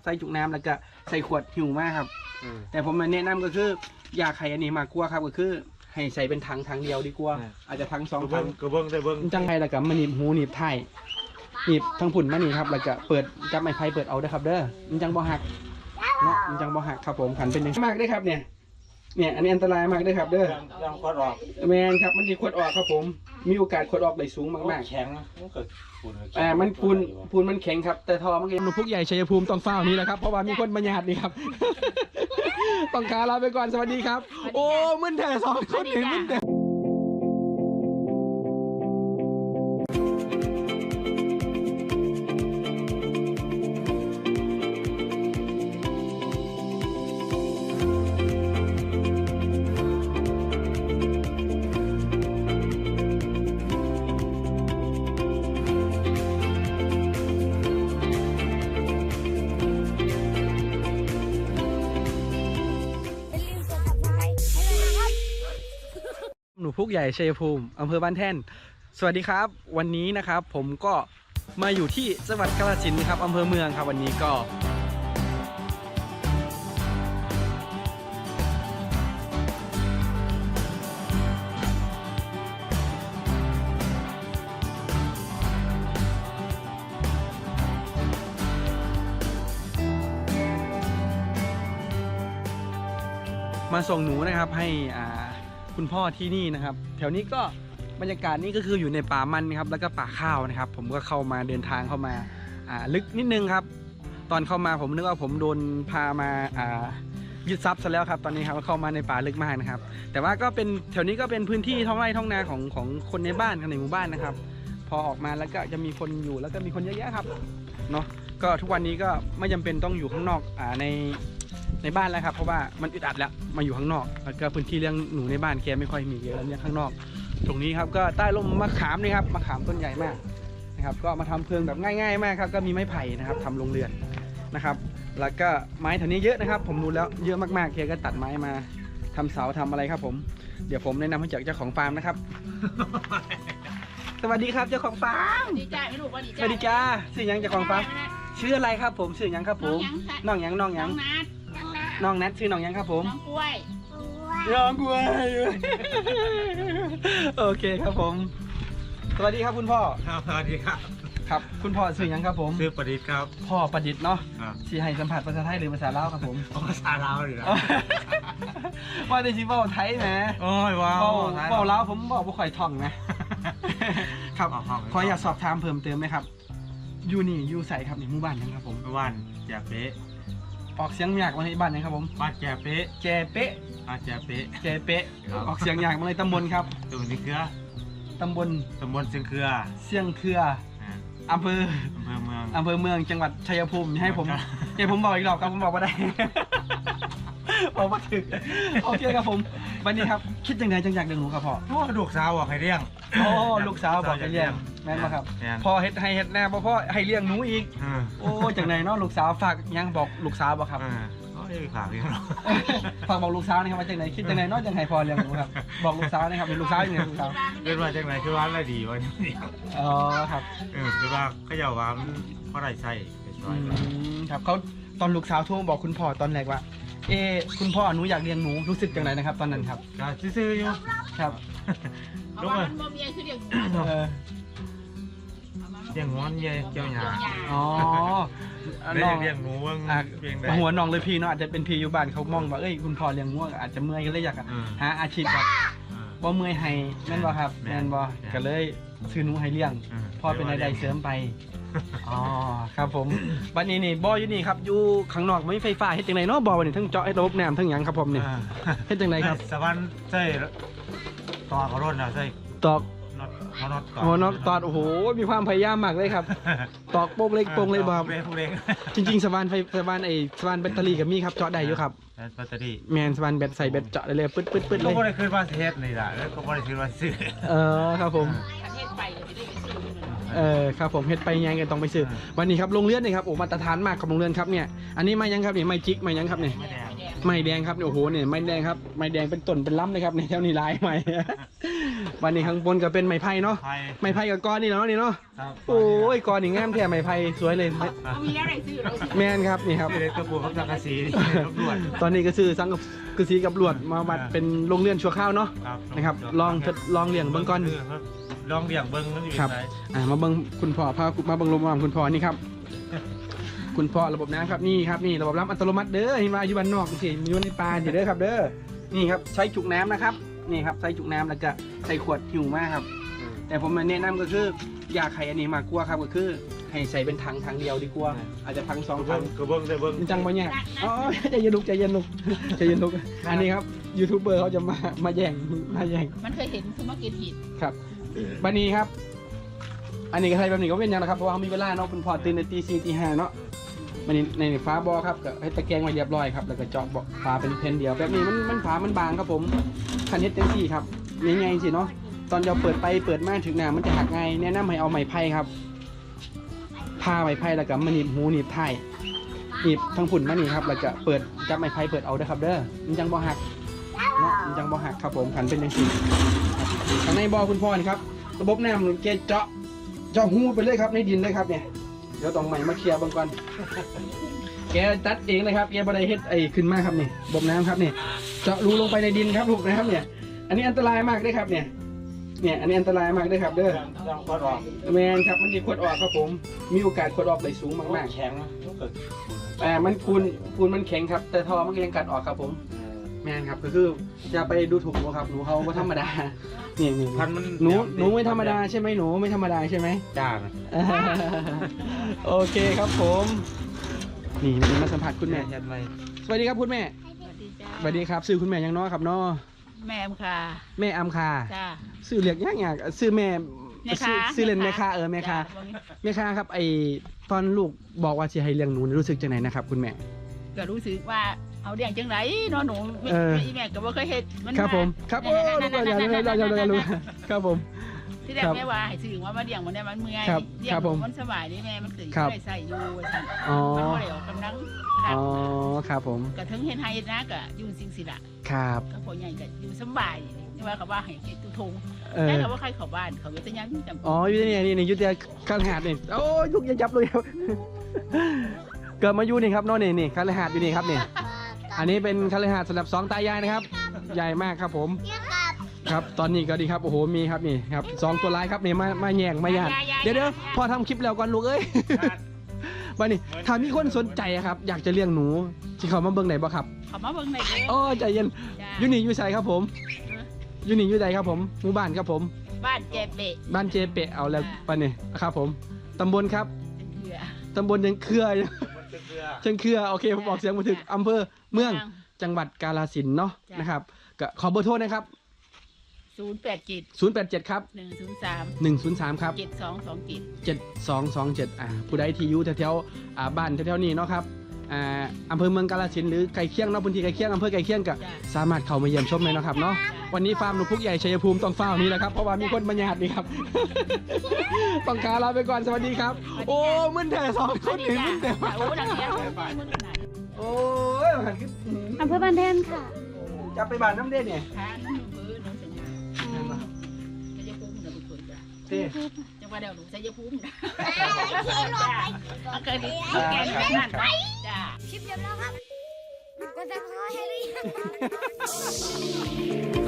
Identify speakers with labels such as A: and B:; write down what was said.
A: ใส่จุกน้ำแล้วก็ใส่ขวดหิวมากครับแต่ผมแนะนำก็คืออยากให้อันนี้มากกว่าครับก็คือให้ใส่เป็นถังเดียวดีกว่าอาจจะถัง2 ถัง
B: ก็เบิ้งได้เบิ้ง
A: จังไงแล้วก็มาหนีบหูหนีบไทยหนีบทั้งผุ่นมานี่ครับแล้วก็เปิดจับไม้ไผ่เปิดเอาได้ครับเด้อมันจังบ่หักเนาะมันจังบ่หักครับผมขันเป็นอย่างมากได้ครับเนี่ยอันนี้อันตรายมากได้ครับเด้อ
B: ยังขวดออก
A: แมนครับมันจะขวดออกครับผมมีโอกาสขวดออกได้สูงมาก
B: แข็งมันเกิด
A: มันปูนมันแข็งครับแต่ทอมันหนูพุกใหญ่ชัยภูมิต้องเฝ้านี้แหละครับเพราะว่ามีคนมาหยาดนี่ครับต้องลาไปก่อนสวัสดีครับโอ้มึนแต่2 คนเห็นมึนแต่หนูพุกใหญ่ชัยภูมิอำเภอบ้านแท่นสวัสดีครับวันนี้นะครับผมก็มาอยู่ที่จังหวัดกาฬสินธุ์ครับอำเภอเมืองครับวันนี้ก็มาส่งหนูนะครับให้คุณพ่อที่นี่นะครับแถวนี้ก็บรรยากาศนี่ก็คืออยู่ในป่ามันนะครับแล้วก็ป่าข้าวนะครับผมก็เข้ามาเดินทางเข้ามาลึกนิดนึงครับตอนเข้ามาผมนึกว่าผมโดนพามายึดทรัพย์ซะแล้วครับตอนนี้ครับเข้ามาในป่าลึกมากนะครับแต่ว่าก็เป็นแถวนี้ก็เป็นพื้นที่ท้องไร่ท้องนาของคนในบ้านในหมู่บ้านนะครับพอออกมาแล้วก็จะมีคนอยู่แล้วก็มีคนเยอะแยะครับเนาะก็ทุกวันนี้ก็ไม่จำเป็นต้องอยู่ข้างนอกในบ้านแล้วครับเพราะว่ามันอึดอัดแล้วมาอยู่ข้างนอกแล้วก็พื้นที่เลี้ยงหนูในบ้านแกไม่ค่อยมีเยอะแล้วเนี่ยข้างนอกตรงนี้ครับก็ใต้ร่มมะขามนี่ครับมะขามต้นใหญ่มากนะครับก็มาทำเพลิงแบบง่ายๆมากครับก็มีไม้ไผ่นะครับทำโรงเรือนนะครับแล้วก็ไม้แถวนี้เยอะนะครับผมดูแล้วเยอะมากๆแกก็ตัดไม้มาทำเสาทำอะไรครับผมเดี๋ยวผมแนะนำให้จากเจ้าของฟาร์มนะครับ สวัสดีครับเจ้าของฟาร์ม
C: ดีจ้าไม่รู้ว่าดีจ้า
A: สวัสดีจ้าชื่อยังเจ้าของฟาร์มชื่ออะไรครับผมชื่อยังครับผมน้องยัง
C: น้อง
A: นัทชื่อน้องยังครับผม
C: น้องกล้วย
A: โอเคครับผมสวัสดีครับคุณพ่อ
B: สวัสดีครับ
A: ครับคุณพ่อชื่อยังครับผม
B: ชื่อประดิษฐ์ครับ
A: พ่อประดิษฐ์เนาะที่ให้สัมผัสภาษาไทยหรือภาษาลาวครับผม
B: ภาษาลาวเลยนะ
A: ว่าได้ชิว่าไทยนะ
B: โอ้ยว้าว
A: ว่าลาวผมบอกว่าข่อยท่องนะครับขออยากสอบถามเพิ่มเติมไหมครับอยู่ใส่ครับในหมู่บ้านยังครับผม
B: บ้านแจเป๊ะ
A: ออกเสียงยากมาในบ้านไหนครับผม
B: บ้านแจเป๊ะ
A: แจเป๊ะ
B: แจเป๊ะ
A: ออกเสียงยากมาในตำบลครับ
B: ตำบลเครือ
A: ตำบล
B: เชียงเครือ
A: อำเภอเมืองจังหวัดชัยภูมิให้ผมบอกอีกรอบครับผมบอกว่าได้เอามาถึงโอเคครับผมวันนี้ครับคิดยังไงจังอยากเลี้ยงหนูครับพ่อ
B: ลูกสาวบอกให้เลี้ยง
A: ลูกสาวบอกให้เลี้ยงแม่นไหมครับพ่อเฮ็ดแน่พ่อให้เลี้ยงหนูอีกโอ้จังไหนเนาะลูกสาวฝากยังบอกลูกสาวบอกครับ
B: ฝากเลี้ยง
A: ฝากบอกลูกสาวนะครับว่าจังไหนคิดจังไหนเนาะจังไหนพ่อเลี้ยงหนูครับบอกลูกสาวนะครับเป็นลูกสาวยังไงลูกสาว
B: เป็นว่าจังไหนคือว่าอะไรดีวะนี่
A: อ๋อครับ
B: คือว่าเขาจะว่าเพราะอะไรใช่
A: ครับเขาตอนลูกสาวโทรบอกคุณพ่อตอนแรกว่าคุณพ่อหนูอยากเลี้ยงหนูรู้สึกจังไหนนะครับตอนนั้นครับ
B: ซื่อๆอยู่
A: ครับ
C: ลูกมันบ่มีคือเลี้ยง
B: งอนเจ้าหยา
A: อ๋อ
B: เลี้ยงหนูว่า
A: หัวน้องเลยพี่เนาะอาจจะเป็นพี่อยู่บ้านเขามองว่าคุณพ่อเลี้ยงงูอาจจะเมื่อยก็เลยอยากหาอาชีพแบบบ่เมื่อยให้แม่นบ่ครับแม่นบ่ก็เลยซื้อหนูให้เลี้ยงพ่อเป็นรายได้เสริมไปอ๋อครับผมวันนี้นี่บ่ออยู่นี่ครับอยู่ข้างนอกไม่มีไฟฟ้าเฮ็ดจังไดเนาะบ่อวันนี้ทั้งเจาะให้ระบบน้ำทั้งหยังครับผมนี่เฮ็ดจังไดครับ
B: สวรรค์ใช่ตอกรถนะใช่
A: ตอกหัวน็อตตอดโอ้โหมีความพยายามมากเลยครับตอกโป่งเล็กบ่จริงๆสว่านแบตเตอรี่กับมีครับเจาะได้อยู่ครับ
B: แบตเตอรี่
A: แมนสว่านแบตใส่แบตเจาะได้เลยปึ๊ดเลย
B: ก็ไม่ได้ขึ้นมาเทสนี่แหละแล้วก็ไม่ได้ขึ้นมาซื้อ
A: ครับผมครับผมเฮ็ดไปยังกันต้องไปซื้อวันนี้ครับโรงเรือนนี่ครับโอ้มาตรฐานมากครับโรงเรือนครับเนี่ยอันนี้ไม้ยังครับเนี่ยไม้จิกไม้ยังครับเนี่ย ไม้แดงครับโอ้โหเนี่ยไม้แดงครับไม้แดงเป็นต้นเป็นล้ำเลยครับในแถวนี้ลายไม้วันนี้ข้างบนก็เป็นไม้ไผ่เนาะ
B: ไผ่
A: ไม้ไผ่กับก้อนนี่เนาะนี่เนาะ
B: ครับ
A: โอ้ยก้อนนี่งามแท้ไม้ไผ่สวยเลย
C: เอามีอะไรซื้อเราสิ
A: แมนครับนี่ครับ
B: ไม่ได้กระปุกของสังกะสีนี่รบกวน
A: ตอนนี้ก็ซื้อสังกะสีกับลวดมาวัดเป็นโรงเรือนชั่วคราวเนาะ
B: ครับ
A: นะครับลองเลี้ยงเบิ่งก่อน
B: ลองเลี้ยงเบิ่งมันอยู่
A: ครับ
B: ไหน
A: มาเบิ่งคุณพ่อพามาเบิ่งลมคุณพ่อนี่ครับ คุณพ่อระบบน้ำครับนี่ครับนี่ระบบน้ำอัตโนมัติเด้อเห็นมาอยู่บ้านนอกสิอยู่ในป่าอยู่เด้อครับเด้อนี่ครับใช้จุกน้ำนะครับนี่ครับใช้จุกน้ำแล้วก็ใส่ขวดหิวมากครับ แต่ผมแนะนำก็คืออยากให้อันนี้มากกว่าครับก็คือให้ใส่เป็นถังเดียวดีกว่าอาจจะถังสองถัง
B: กระเบื้องได้เบิ่ง
A: มันจังบ่เนี่ยอ๋อใจเย็นลุกใจเย็นลุกใจเย็นลุกอันนี้ครับยูทูบเบอร์เขาจะมาแย่ง
C: มันเคยเห็นคือมากินผิด
A: ครับบันนี้ครับ อันนี้ก็ใช้แบบนี้ก็เป็นยังนะครับเพราะว่าเขามีเวลาเนาะคุณพ่อตื่นในตี 4 ตี 5เนาะมันในฟ้าบอครับก็ให้ตะแกรงมาเรียบร้อยครับแล้วก็เจาะเบาะฟ้าเป็นเพนเดียวแบบนี้มันฟ้ามันบางครับผมคันเฮ็ดเต็มที่ครับง่ายๆสิเนาะตอนเราเปิดไปเปิดมาถึงหน้ามันจะหักง่ายแนะนำให้เอาไม้ไผ่ครับผ้าไม้ไผ่แล้วก็มาหนีบหูหนีบท้ายหนีบทั้งฝุ่นมานี่ครับแล้วก็เปิดจับไม้ไผ่เปิดเอาเด้อครับเด้อมันจังบ่หักเนาะมันจังบ่หักครับผมขันเป็นจังซี่ข้างในบ่อคุณพ่อนี่ครับระบบน้ำแกเจาะหูไปเลยครับในดินเลยครับเนี่ยเดี๋ยวต้องใหม่มาเคลียร์บางก่อนแกตัดเองเลยครับแกบันไดเฮ็ดไอ้ขึ้นมาครับนี่ระบบน้ำครับนี่เจาะรูลงไปในดินครับลูกนะครับเนี่ยอันนี้อันตรายมากเลยครับเนี่ยอันนี้อันตรายมากเลยครับเด้อ
B: ยังพอดออก
A: แมนครับมันดีขวดออกครับผมมีโอกาสขวดออกได้สูงมาก
B: แข็งมันเกิด
A: ๆแต่มันปูนมันแข็งครับแต่ทอมันก็ยังกัดออกครับผมแมนครับก็คืออย่าไปดูถูกหนูครับหนูเขาไม่ธรรมดานี่
B: พันมัน
A: หนูไม่ธรรมดาใช่ไหมหนูไม่ธรรมดาใช่ไหม
B: จ้า
A: โอเคครับผมนี่วันนี้มาสัมผัสคุณแม่
B: เห็นไหม
A: สวัสดีครับคุณแม่
C: สวัสดีจ้า
A: สวัสดีครับซื้อคุณแม่ยังน้อยครับน้อ
C: แม่มค่ะ
A: แม่อัมคา
C: จ้า
A: ซื้อเรียกยากซื้อแม่
C: แม่ค้า
A: ซื้อเล่นแม่ค้าแม่ค้า
C: จ้
A: แม่ค้าครับไอตอนลูกบอกว่าจะให้เลี้ยงหนูนี่รู้สึกจังไหนนะครับคุณแม่
C: ก็รู้สึกว่าเอาเลี้ยงจังไรเนาะหนูแม่
A: เออ
C: แม่ก็บ่เคยเฮ็ดมัน
A: ครับผมครับโอ้ลูกอย่ารู้ครับผม
C: ที่แรกแม่ว่าให้ซื้อว่ามาเลี้ยงมันเนี่ยมันเมื่อย
A: ครับ
C: เลี้ยง
A: ครับผม
C: มันสบายนี่แม่มันตื่น
A: ครับ
C: ได้ใส่อยู่ว่าซั่น
A: อ๋อ
C: มันบ่ได้ออกกำลัง
A: อ๋อครับผม
C: ก็ถึงเฮ็ดให้นะก็อยู่สิ่งสิล่ะ
A: ครับ
C: ก็พ่อใหญ่ก็อยู่สบายนี่ว่าเขาว่าให้เฮ็ดตุทง
A: เออ
C: แต่เขาว่าใครเข้าบ้านเขาก็จะยังจำ
A: อ๋ออยู่ที่นี่อยู่ที่ข้างหาดนี่โอ้ยลูกอย่าจับเลยครับเกิดมาอยู่นี่ครับน้องนี่ข้างหาดอยู่นี่ครับนี่อันนี้เป็นคาลิหาดสำหรับสองตายายนะครับ ใหญ่มากครับผมครับตอนนี้ก็ดีครับโอ้โหมีครับนี่ครับสองตัวร้ายครับนี่มาแย่งมาหยาดเดี๋ยวพอทำคลิปแล้วก่อนลูกเอ้ยวันนี้ถ้ามีคนสนใจอะครับอยากจะเลี้ยงหนูที่เขามาเบิ่งไหนบ่ครับ
C: เขามาเบิ่งได้เด้
A: โอ้ใจเย็น
C: จ้า
A: อยู่นี่อยู่ใส่ครับผมอยู่นี่อยู่ใดครับผมหมู่บ้านครับผม
C: บ้านเจ็บเบะ
A: บ้านเจเปะเอาแล้วปะเนี่ยครับผมตำบลครับ
C: เป็นเหือ
A: ตำบลยังเครือ
B: มันเป็นเรือ
A: เชิงเครือโอเคผมบอกเสียงมาถึงอำเภอเมืองจังหวัดกาฬสินธุ์เนาะ
C: จ้ะ
A: นะครับก็ขอเบอร์โทรนะครับ
C: 087
A: 087ครับ
C: 103
A: 103ครับ
C: 7227
A: 7227ผู้ใดที่อยู่แถวๆบ้านแถวๆนี้เนาะครับอำเภอเมืองกาฬสินธุ์หรือไก่เคียงเนาะพื้นที่ไก่เคียงอำเภอไก่เคียงก็
C: จ้ะ
A: สามารถเข้ามาเยี่ยมชมเลยเนาะครับเนาะวันนี้ฟาร์มหนูพุกใหญ่ชัยภูมิต้องเฝ้านี้แหละครับเพราะว่ามีคนมาหยาดนี่ครับ ต้องขาลาไปก่อนสวัสดีครับ โอ้มึนแต่สองคนถึงมึนแต่
C: โอ้ดังเนี้ยมึงขนาด
A: โอ้ยหันขึ้น
D: อำเภอบ้านแท่นค่ะ
A: จะไปบ้านน้ำเด่นเนี่ย
C: ทางน้องเบอร์น้องสัญญาชัยภูมินะบุคคลจ้ะ
A: เต้
C: จังหวัดเดียวหนูชัยภูมินะจ้ะเกิดดีแกงนั่นจ้ะ
D: คลิปจบแล้วครับกดซับสไครต์ให้หรือยัง